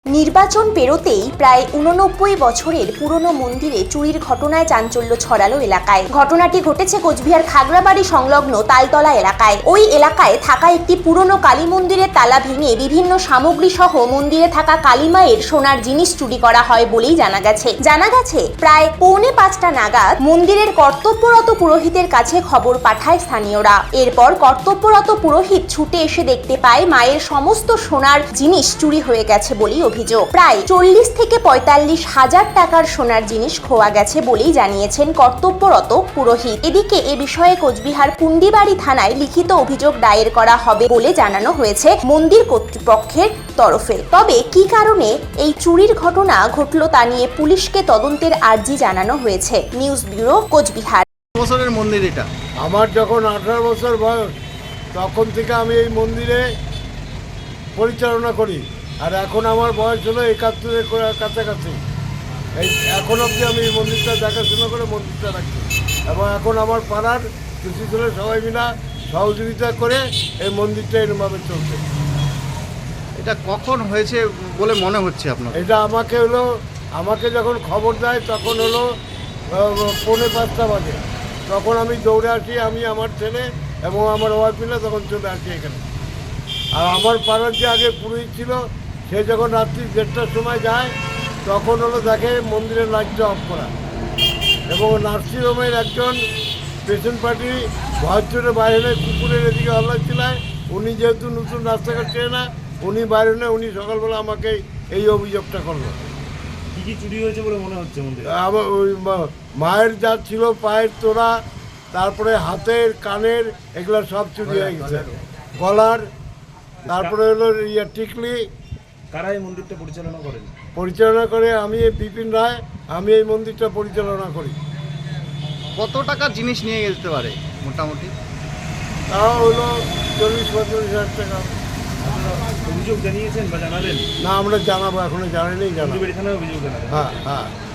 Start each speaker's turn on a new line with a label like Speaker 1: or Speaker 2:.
Speaker 1: নির্বাচন পেরোতেই প্রায় 89 বছরের পুরনো মন্দিরে চুরির ঘটনায় চাঞ্চল্য ছড়ালো এলাকায়। ঘটনাটি ঘটেছে কোচবিহার খাগড়াবাড়ি সংলগ্ন তালতলা এলাকায়। ওই এলাকায় থাকা একটি পুরনো কালী মন্দিরের তালা ভেঙে বিভিন্ন সামগ্রী সহ মন্দিরে থাকা কালীমায়ের সোনার জিনিস চুরি করা হয় বলেই জানা গেছে। প্রায় 4:45 নাগাদ মন্দিরের কর্তব্যরত পুরোহিতের কাছে খবর পাঠায় স্থানীয়রা। এরপর কর্তব্যরত পুরোহিত ছুটে এসে দেখতে পায় মায়ের সমস্ত সোনার জিনিস চুরি হয়ে গেছে বলেই অভিযোগ। প্রায় 40 থেকে 45 হাজার টাকার সোনার জিনিস খোয়া গেছে বলেই জানিয়েছেন কর্তব্যরত পুরোহিত। এদিকে এ বিষয়ে কোচবিহার পুন্ডিবাড়ি থানায় লিখিত অভিযোগ দায়ের করা হবে বলে জানানো হয়েছে মন্দির কর্তৃপক্ষের তরফে। তবে কি কারণে এই চুরির ঘটনা ঘটল তা নিয়ে পুলিশকে তদন্তের আর্জি জানানো হয়েছে। News bureau, Coochbehar.
Speaker 2: বছরের মন্দির এটা।
Speaker 3: আমার যখন 18 বছর বয়স তখন থেকে আমি এই মন্দিরে পরিচালনা করি, আর এখন আমার বয়স হলো 71-এর কাছাকাছি। এখন অবধি আমি এই মন্দিরটা দেখাশোনা করে মন্দিরটা রাখছি, এবং এখন আমার পাড়ার কিছু ছেলে সবাই মিলে সহযোগিতা করে এই মন্দিরটা এরকমভাবে চলছে।
Speaker 2: এটা কখন হয়েছে বলে মনে হচ্ছে আপনার?
Speaker 3: এটা আমাকে যখন খবর দেয় তখন হলো 4:45 বাজে। তখন আমি দৌড়ে আসি, আমি আমার ছেলে এবং আমার ওয়াইফ মিলে তখন চলে আসি এখানে। আর আমার পাড়ার যে আগে পুরোহিত ছিল সে যখন রাত্রি 1:30টার সময় যায় তখন হলো দেখে মন্দিরের লাইটটা অফ করা, এবং নার্সিংহোমের একজন পেশেন্ট পার্টি ভয়চরে বাইরে কুকুরের এদিকে হল্লা ছিলায়। উনি যেহেতু নতুন রাস্তাঘাট চেয়ে না, উনি বাইরে নেই, উনি সকালবেলা আমাকে এই অভিযোগটা করলো।
Speaker 4: কি কি চুরি হয়েছে বলে মনে হচ্ছে মন্দিরে?
Speaker 3: আমার ওই মায়ের যা ছিল, পায়ের তোড়া, তারপরে হাতের কানের, এগুলো সব চুরি হয়ে গেছে, গলার, তারপরে হলো টিকলি।
Speaker 4: কারা এই মন্দিরটা
Speaker 3: পরিচালনা করে আমি বিপিন রায়, আমি এই মন্দিরটা পরিচালনা করি।
Speaker 2: কত টাকার জিনিস নিয়ে যেতে পারে মোটামুটি?
Speaker 3: তাও হলো 40-45 হাজার টাকা।
Speaker 4: অভিযোগ জানিয়েছেন বা জানালেন?
Speaker 3: না, আমরা জানাবো, এখনো জানাইনি।
Speaker 4: পুন্ডিবাড়ি থানায় অভিযোগ জানাবেন?
Speaker 3: হ্যাঁ।